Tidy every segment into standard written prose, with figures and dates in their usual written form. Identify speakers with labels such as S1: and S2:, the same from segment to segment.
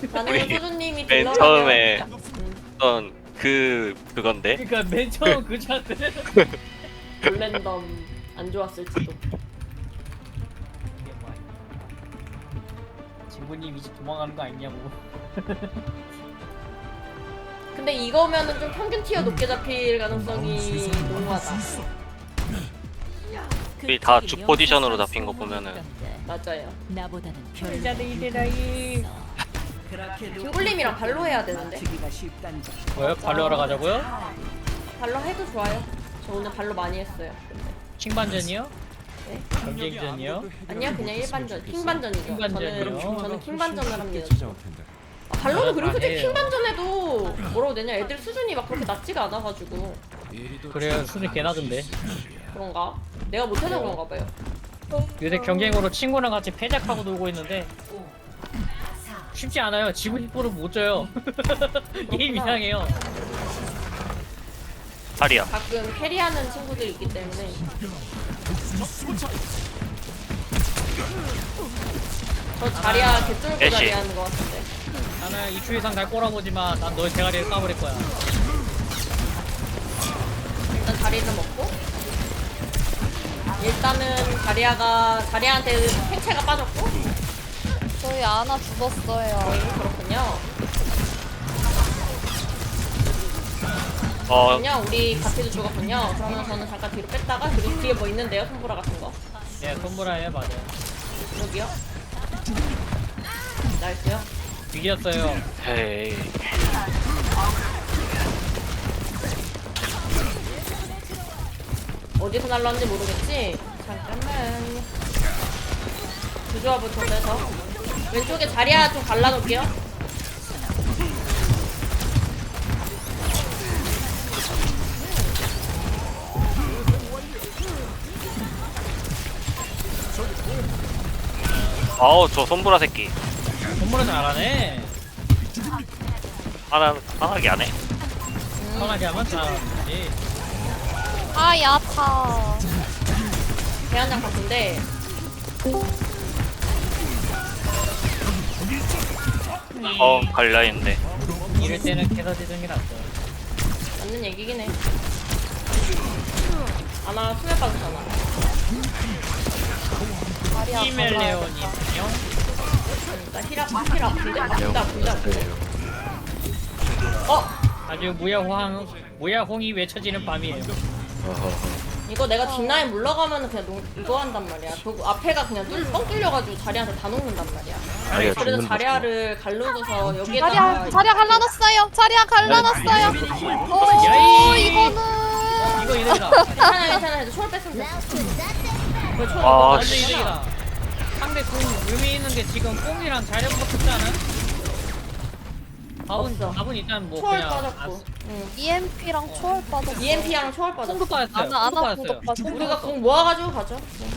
S1: 나는
S2: 우리
S1: 소주님이
S2: 맨
S1: 딜러라면
S2: 처음에
S1: 진짜.
S2: 어떤 그건데
S3: 그니까 맨 처음 그 차트
S1: 랜덤 안 좋았을지도.
S3: 이게 뭐야 친구님 이제 도망가는 거 아니냐고.
S1: 근데 이거면은 좀 평균 티어 높게 잡힐 가능성이 농후하다.
S2: 우리 다 주 포지션으로 잡힌 거 보면은
S1: 맞아요.
S4: 나보다는 별
S3: 이자들 이대라이.
S1: 빙굴님이랑 발로 해야 되는데.
S3: 뭐요? 발로 하러 가자고요?
S1: 발로 해도 좋아요. 저 오늘 발로 많이 했어요. 근데.
S3: 킹반전이요?
S1: 네?
S3: 경쟁전이요?
S1: 아니야 그냥 일반전 킹반전이죠.
S3: 킹반전이요?
S1: 저는 킹반전을 합니다. 발로는 그리고 솔직히 킹반전에도 뭐라고 되냐 애들 수준이 막 그렇게 낮지가 않아가지고.
S3: 그래요 수준 개나던데.
S1: 그런가? 내가 못해서 그런가 봐요.
S3: 요새 경쟁으로 친구랑 같이 패작하고 놀고 있는데 쉽지 않아요. 지고 싶어도 못 져요. 게임 이상해요.
S2: 살이야.
S1: 가끔 캐리하는 친구들이 있기 때문에. 저 자리야 개쫄고
S2: 애쉬.
S1: 자리하는 것 같은데.
S3: 나는 2초 이상 갈 꼬라보지만 난 너의 대가리를 까버릴 거야.
S1: 일단 자리를 먹고. 일단은 자리한테 생체가 빠졌고.
S5: 저희 아나 죽었어요.
S1: 그렇군요.
S2: 어
S1: 그냥 우리 같이도 죽었군요. 그러면 저는 잠깐 뒤로 뺐다가 그리고 뒤에 뭐 있는데요? 손보라 같은 거.
S3: 예, 손보라예요, 맞아요.
S1: 여기요. 나이스요.
S3: 이겼어요.
S2: 헤이.
S1: 어디서 날라왔는지 모르겠지? 잠깐만. 구조화부터 빼서. 왼쪽에 자리야 좀 갈라놓을게요.
S2: 아우 저 손보라 새끼.
S3: 손보라 잘하네.
S2: 하나게 안 해.
S3: 편하게 하면 잘하지.
S5: 아 야타.
S1: 대한장 같은데.
S2: 갈라인데.
S3: 이럴 때는 캐서디는 게 낫죠.
S1: 맞는 얘기긴 해. 아나 수면 빠졌잖아.
S5: 다리야.
S3: 히멜레온이요?
S1: 나 힐 아픈데?
S3: 아주 무야홍이 외쳐지는 밤이에요.
S1: 이거 내가 뒷라인 물러가면 그냥 이거 한단 말이야. 그 앞에가 그냥 뻥 뚫려가지고 자리한테 다 녹는단 말이야. 그래서 자리아를 갈르고서 여기에다가
S5: 자리야 갈라놨어요. 자리야 갈라놨어요. 오
S3: 야이!
S5: 이거는.
S3: 이거 이득이다.
S1: 괜찮아 해도 초월 뺐으면 됐어. 왜 초월
S2: 아,
S1: 뺐어?
S3: 완전 이득이다. 상대 공 의미 있는 게 지금 뽕이랑 자력 붙지 않은?
S1: 없어.
S3: 답은 일단 뭐
S1: 초월
S3: 그냥
S1: 빠졌고.
S5: EMP랑 초월 빠졌어.
S1: EMP랑 초월 빠졌어.
S3: 뽕도 빠졌어요.
S5: 아나
S3: 뽕도
S5: 아나
S3: 빠졌어요.
S5: 구독 빠졌어.
S1: 우리가 공 모아가지고 가죠.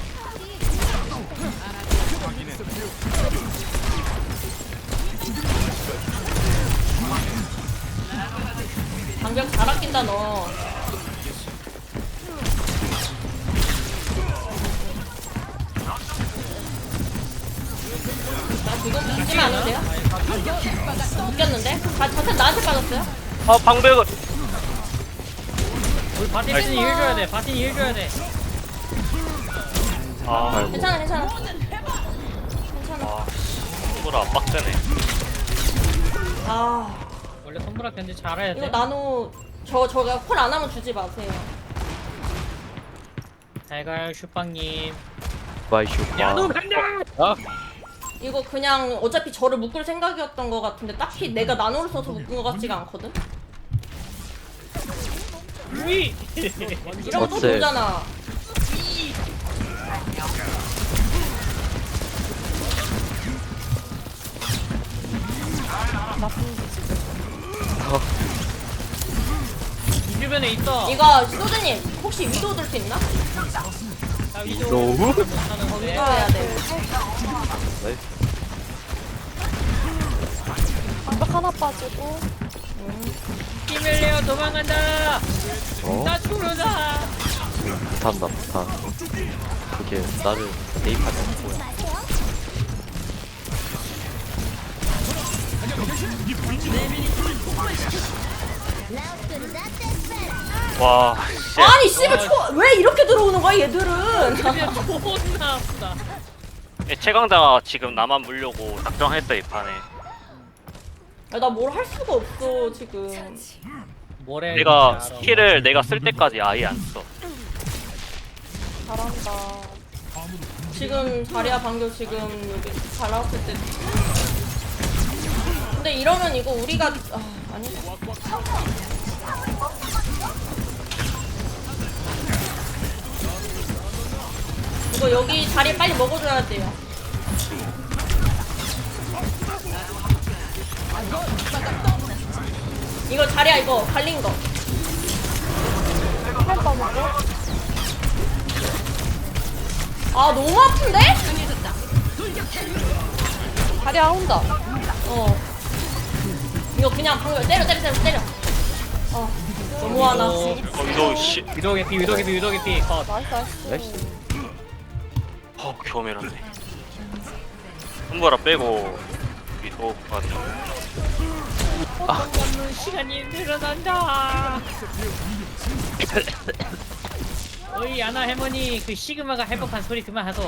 S1: 방벽 잘 아낀다 너. 나 지금 죽지만 않으면 돼요? 웃겼는데? 자탄 나한테 빠졌어요?
S2: 방벽을.
S3: 우리 바티는 일 줘야 돼. 바티는 일 줘야 돼.
S1: 괜찮아 괜찮아.
S2: 손보라 빡세네.
S1: 아
S3: 원래 손보라 견제 잘해야
S1: 이거
S3: 돼.
S1: 나노 저가 콜 안 하면 주지 마세요.
S3: 잘 가요 슈빵님.
S6: 마이슈.
S3: 야너 간다.
S1: 이거 그냥 어차피 저를 묶을 생각이었던 것 같은데 딱히 내가 나노를 써서 묶은 것 같지가 않거든?
S3: 위.
S1: 이러면 또
S6: 어째?
S1: 돌잖아.
S3: 이 주변에 있어.
S1: 이거 소주님 혹시 위도 들 수 있나?
S3: 나 위도
S6: 너무?
S3: 못하는데.
S1: 위도 해야 돼.
S5: 방벽 하나 빠지고.
S3: 히멜레어 도망간다. 나 죽는다.
S6: 못한다 못한. 그게 나를 대입하지 않고야.
S2: 와, 씨.
S1: 아니 씨발 왜 이렇게 들어오는 거야 얘들은?
S3: 그냥 존나 아프다.
S2: 최강자가 지금 나만 물려고 작정했어 이 판에.
S1: 나 뭘 할 수가 없어 지금.
S3: 뭐래?
S2: 내가 스킬을 내가 쓸 때까지 아예 안 써.
S1: 잘한다. 지금 자리야 방금 지금 여기 잘 나왔을 때. 근데 이러면 이거 우리가 아니. 이거 여기 자리 빨리 먹어줘야 돼요. 이거 자리야 이거 갈린 거. 아 너무 아픈데?
S5: 자리야 온다.
S1: 어. 이거 그냥 방금 때려. 너무하나.
S2: 이거 씨.
S3: 위도 개피 컷.
S5: 나이스 나이스.
S6: 나이스.
S2: 겨우메랐네. 손보라 빼고 위도 맞아.
S3: 없는 시간이 늘어난다. 어이 아나 할머니 그 시그마가 회복한 소리 그만하소.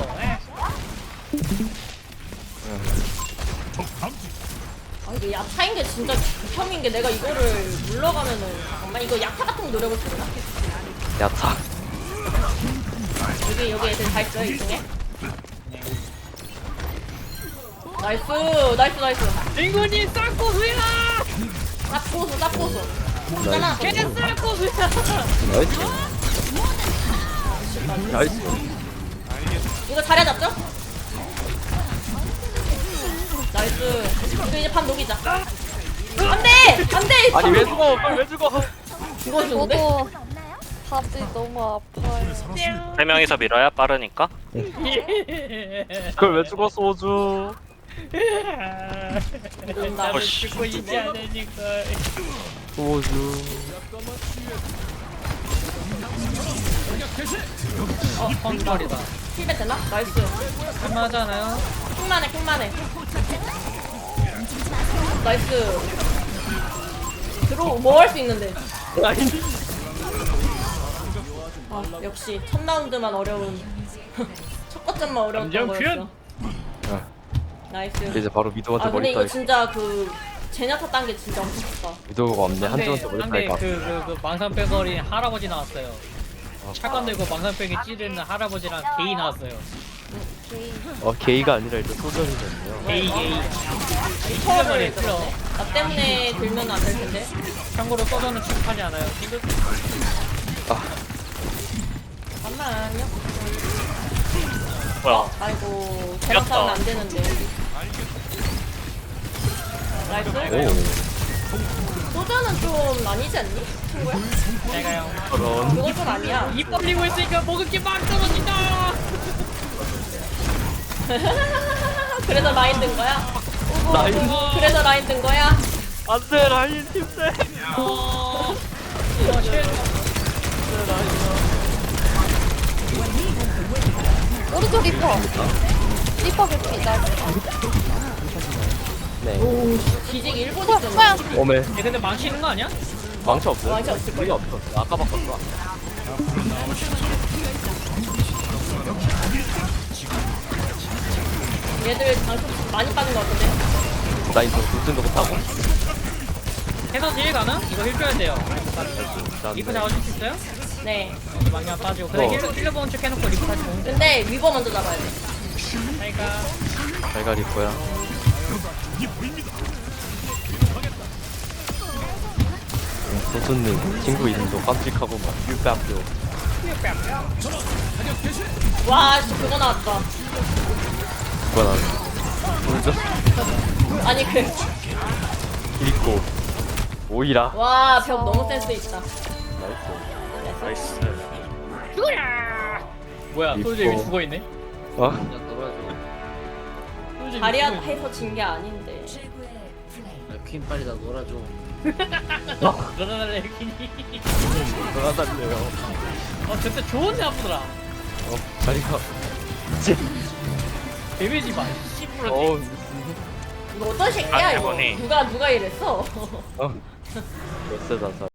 S1: 아 이게 야타인 게 진짜 극혐인 게 내가 이거를 물러가면은 잠깐만 이거 야타 같은 거 노려볼 수 있나?
S6: 야타.
S1: 여기 애들 다 있어요 이 중에? 나이스.
S3: 링군이 싹고수야.
S1: 쌉고수. 있잖아.
S3: 걔 싹고수야.
S6: 나이스. 나이스.
S1: 이거 자리야 잡죠? 나이스. 이거 이제 밥 녹이자. 안돼.
S6: 아니 왜 죽어? 왜 죽어?
S1: 이거 좋은데?
S5: 저도 밥이 너무 아파요.
S2: 3명이서 밀어야 빠르니까.
S6: 그걸 왜 죽어 소주?
S3: 나를 죽고 있지 않으니까.
S6: 소주.
S3: 펑벌이다.
S1: 힐백 되나? 나이스.
S3: 얼마잖아요?
S1: 킹만해. 나이스. 뭐 할 수 있는데? 아 역시 첫 라운드만 어려운 첫 거점만 어려웠던
S3: 감정
S1: 거였어.
S6: 아,
S1: 나이스.
S6: 이제 바로 미도한테
S1: 아 근데
S6: 머리
S1: 이거 진짜 그 제냐타 딴 게 진짜 엄청 좋다.
S6: 미도가 없네. 한쪽한테 머리
S3: 근데
S6: 따니까.
S3: 그 망상 빼거리 할아버지 나왔어요. 차관 들고 망상 빼기 찌르는 할아버지랑 게이 나왔어요.
S6: 게이가 아니라 일단 소전이거든요.
S3: 게이.
S1: 초월을
S3: 찔러.
S1: 그러네. 나 때문에 들면 안 될 텐데.
S3: 참고로 써서는 취급하지 않아요.
S1: 잠깐만요.
S2: 뭐야?
S1: 아이고 제냐타는 안 되는데. 나이스. 소저는 좀 아니지 않니? 친구야?
S3: 내가요.
S6: 그런.
S1: 그건 좀 아니야.
S3: 입 벌리고 있으니까 먹을 게 막 떨어진다.
S1: 그래서 라인 든 거야?
S6: 라인.
S1: 그래서 라인 든 거야?
S6: 안돼 라인 팀세.
S5: 오른쪽 리퍼. 리퍼 개피. 나이스.
S6: 네.
S1: 오 뒤지기 1분 있잖아.
S5: 뭐야?
S6: 오메.
S3: 얘 근데 망치는 거 아니야?
S6: 망치 없어요?
S1: 망치 없을
S6: 거의 없어. 아까 바꿨어.
S1: 얘들 장점 많이 빠진 것 같은데?
S6: 라인 좀 돌진도 못하고.
S3: 해서 딜 가능? 이거 힐 줘야 돼요. 리프 잡아줄 수 있어요?
S1: 네.
S3: 망령 빠지고. 근데 힐러 보는 척 해놓고 리프 다시 보면 돼.
S1: 근데 위버 먼저 잡아야 돼.
S3: 그러니까
S6: 잘가릴 거야. 소수는 친구 이름도 깜찍하고 막 뷰뺨뷰.
S1: 와, 씨, 그거 나왔다.
S6: 그거 나 돌죠?
S1: 아니,
S6: 있고 오이라.
S1: 와, 벽 너무 센스 있다.
S6: 나이스.
S2: 나이스.
S3: 죽어라. 뭐야?
S6: 리퍼.
S3: 솔저 여기 죽어 있네.
S6: 어?
S1: 다리아 해서 진 게 아닌데.
S4: 퀸 빨리 나 놀아줘.
S3: 그러나래 퀸이.
S6: 돌아다녀요.
S3: 진짜 좋은데 아프더라.
S6: 자리가.
S3: 데미지 봐. 10%.
S6: 어우.
S1: 이거 어떤 새끼야
S2: 아,
S1: 이거?
S2: 해보니.
S1: 누가 이랬어?
S6: 어. 몇세 자살.